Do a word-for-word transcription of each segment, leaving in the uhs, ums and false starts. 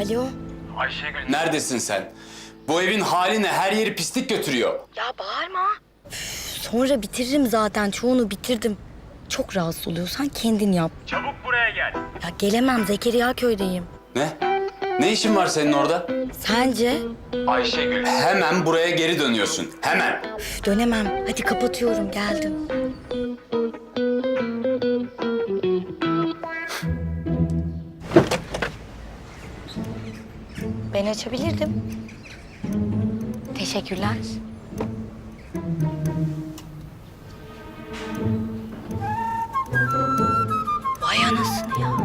Alo. Ayşegül neredesin sen? Bu evin hali ne? Her yeri pislik götürüyor. Ya bağırma. Üf, sonra bitiririm zaten. Çoğunu bitirdim. Çok rahatsız oluyorsan kendin yap. Çabuk buraya gel. Ya gelemem. Zekeriya köydeyim. Ne? Ne işin var senin orada? Sence? Ayşegül. Hemen buraya geri dönüyorsun. Hemen. Üf, dönemem. Hadi kapatıyorum. Geldim. Ben açabilirdim. Teşekkürler. Vay anasını ya.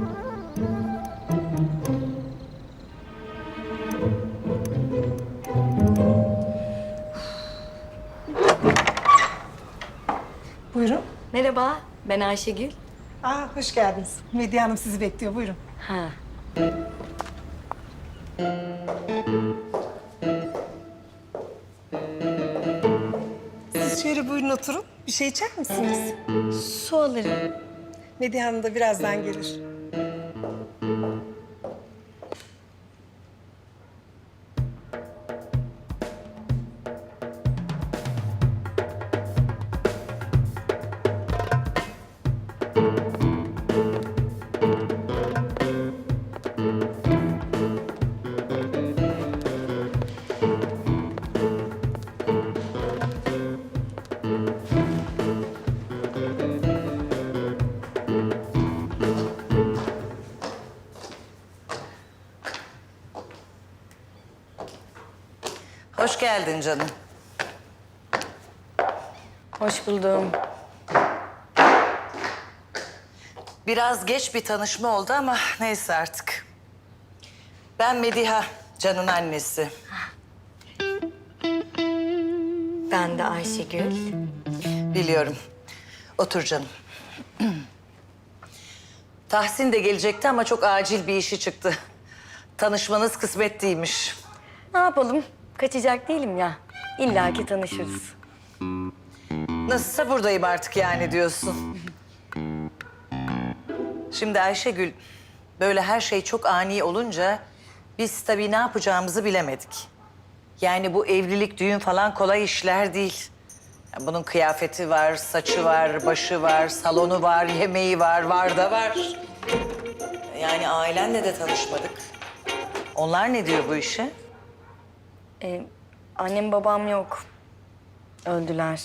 Buyurun. Merhaba, ben Ayşegül. Aa, hoş geldiniz. Medya Hanım sizi bekliyor. Buyurun. Ha. Siz şöyle buyurun oturun. Bir şey içer misiniz? Su alırım. Medya Hanım da birazdan gelir. Hoş geldin canım. Hoş buldum. Biraz geç bir tanışma oldu ama neyse artık. Ben Mediha, Can'ın annesi. Ben de Ayşegül. Biliyorum. Otur canım. Tahsin de gelecekti ama çok acil bir işi çıktı. Tanışmanız kısmet değilmiş. Ne yapalım? Kaçacak değilim ya. İlla ki tanışırız. Nasılsa buradayım artık yani diyorsun. Şimdi Ayşegül, böyle her şey çok ani olunca biz tabii ne yapacağımızı bilemedik. Yani bu evlilik, düğün falan kolay işler değil. Yani bunun kıyafeti var, saçı var, başı var, salonu var, yemeği var, var da var. Yani ailenle de tanışmadık. Onlar ne diyor bu işe? Ee, annem babam yok. Öldüler.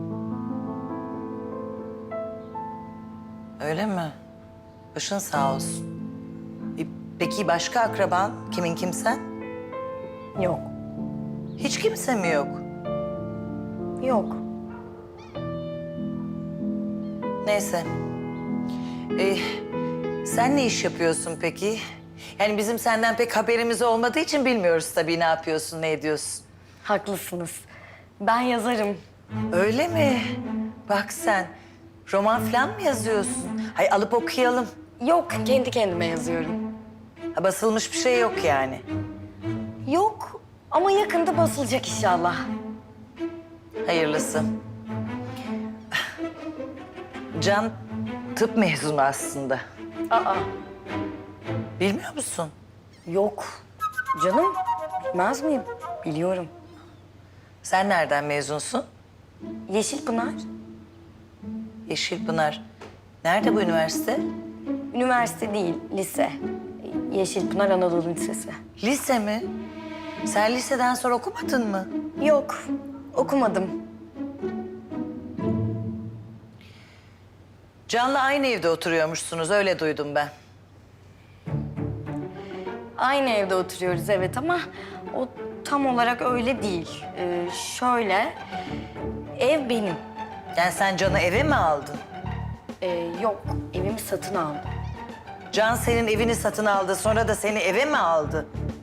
Öyle mi? Başın sağ olsun. E, Peki başka akraban? Kimin kimsen? Yok. Hiç kimse mi yok? Yok. Neyse. Ee, sen ne iş yapıyorsun peki? Yani bizim senden pek haberimiz olmadığı için bilmiyoruz tabii ne yapıyorsun, ne ediyorsun. Haklısınız. Ben yazarım. Öyle mi? Bak sen, roman falan mı yazıyorsun? Hay alıp okuyalım. Yok, kendi kendime yazıyorum. Ha, basılmış bir şey yok yani. Yok ama yakında basılacak inşallah. Hayırlısı. Can tıp mezunu aslında. Aa, Bilmiyor musun? yok. Canım, bilmez miyim? Biliyorum. Sen nereden mezunsun? Yeşilpınar. Yeşilpınar. Nerede bu üniversite? Üniversite değil, lise. Yeşilpınar Anadolu Lisesi. Lise mi? Sen liseden sonra okumadın mı? Yok, okumadım. Can'la aynı evde oturuyormuşsunuz, öyle duydum ben. Aynı evde oturuyoruz evet ama o tam olarak öyle değil. Ee, şöyle, ev benim. Yani sen Can'ı eve mi aldın? Ee, yok, evimi satın aldım. Can senin evini satın aldı, sonra da seni eve mi aldı?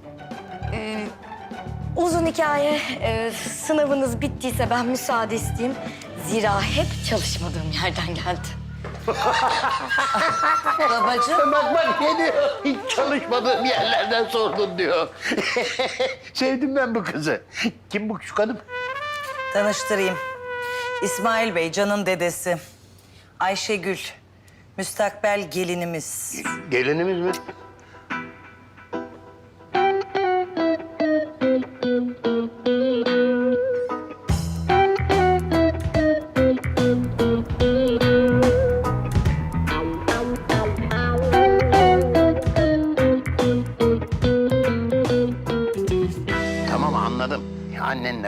Uzun hikaye. Ee, sınavınız bittiyse ben müsaade isteyeyim. Zira hep çalışmadığım yerden geldi. Babacığım. Bak bak ne diyor? Hiç çalışmadığım yerlerden sordun diyor. Sevdim ben bu kızı. Kim bu şu kadın? Tanıştırayım. İsmail Bey, Can'ın dedesi. Ayşegül, müstakbel gelinimiz. Gelinimiz mi?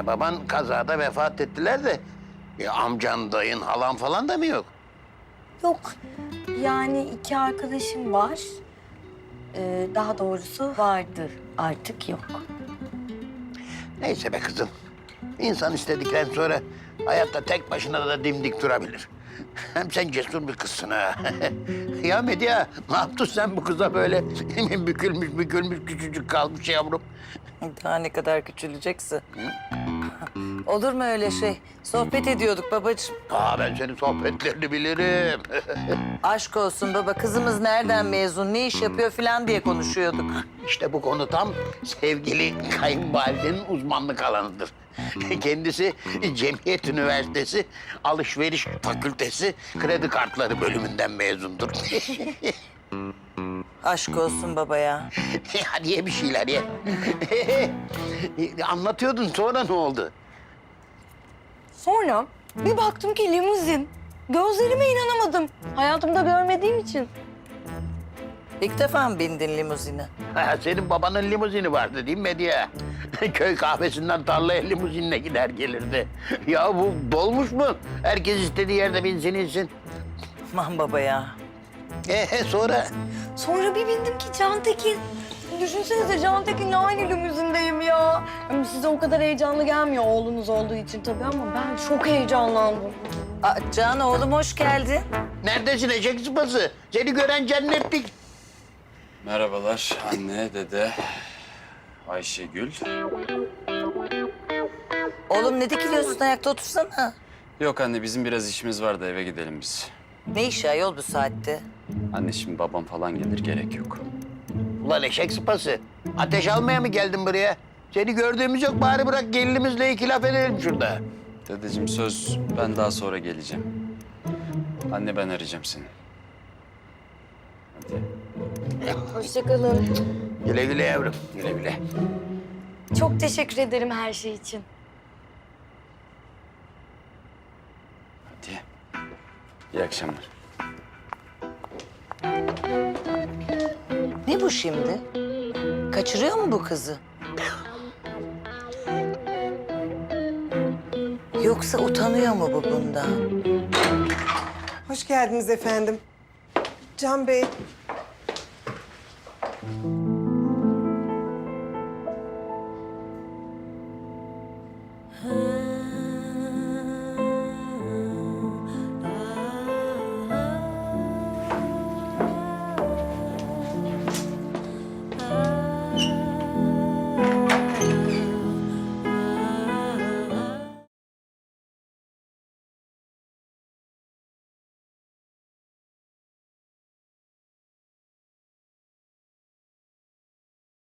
baban kazada vefat ettiler de... E, amcan, dayın, halan falan da mı yok? Yok. Yani iki arkadaşım var. Ee, daha doğrusu vardı. Artık yok. Neyse be kızım. İnsan istedikten sonra hayatta tek başına da dimdik durabilir. Hem sen cesur bir kızsın ha. Ya Medya, ne yaptın sen bu kıza böyle? Bükülmüş bükülmüş küçücük kalmış yavrum. Daha ne kadar küçülecekse. Olur mu öyle şey? Sohbet ediyorduk babacığım. Aa, ben senin sohbetlerini bilirim. Aşk olsun baba, kızımız nereden mezun, ne iş yapıyor falan diye konuşuyorduk. İşte bu konu tam sevgili kayınvalidenin uzmanlık alanıdır. Kendisi Cemiyet Üniversitesi Alışveriş Fakültesi Kredi Kartları bölümünden mezundur. Aşk olsun baba ya. Hadi ye bir şeyler ye. Anlatıyordun, sonra ne oldu? Sonra bir baktım ki limuzin. Gözlerime inanamadım. Hayatımda görmediğim için. İlk defa mı bindin limuzine? Ha, senin babanın limuzini vardı değil mi Medya? Köy kahvesinden tarlaya limuzinle gider gelirdi. Ya bu dolmuş mu? Herkes istediği yerde binsin insin. Aman baba ya. Ee, sonra? Sonra bir bindim ki Cantekin. Düşünsenize Cantekin'le aynı limuzindeyim ya. Yani size o kadar heyecanlı gelmiyor oğlunuz olduğu için tabii ama ben çok heyecanlandım. Aa, Can oğlum hoş geldin. Neredesin eşek sıpası? Seni gören cennetlik. Merhabalar anne, dede, Ayşegül. Oğlum ne dikiliyorsun, ayakta otursana. Yok anne, bizim biraz işimiz var da eve gidelim biz. Ne işi ayol bu saatte? Anne şimdi babam falan gelir, gerek yok. Ulan eşek sıpası. Ateş almaya mı geldin buraya? Seni gördüğümüz yok, bari bırak gelinimizle iki laf edelim şurada. Dedeciğim söz, ben daha sonra geleceğim. Anne ben arayacağım seni. Hadi. Hoşçakalın. Güle güle yavrum, güle güle. Çok teşekkür ederim her şey için. Hadi. İyi akşamlar. Ne bu şimdi? Kaçırıyor mu bu kızı? Yoksa utanıyor mu bu bundan? Hoş geldiniz efendim. Can Bey.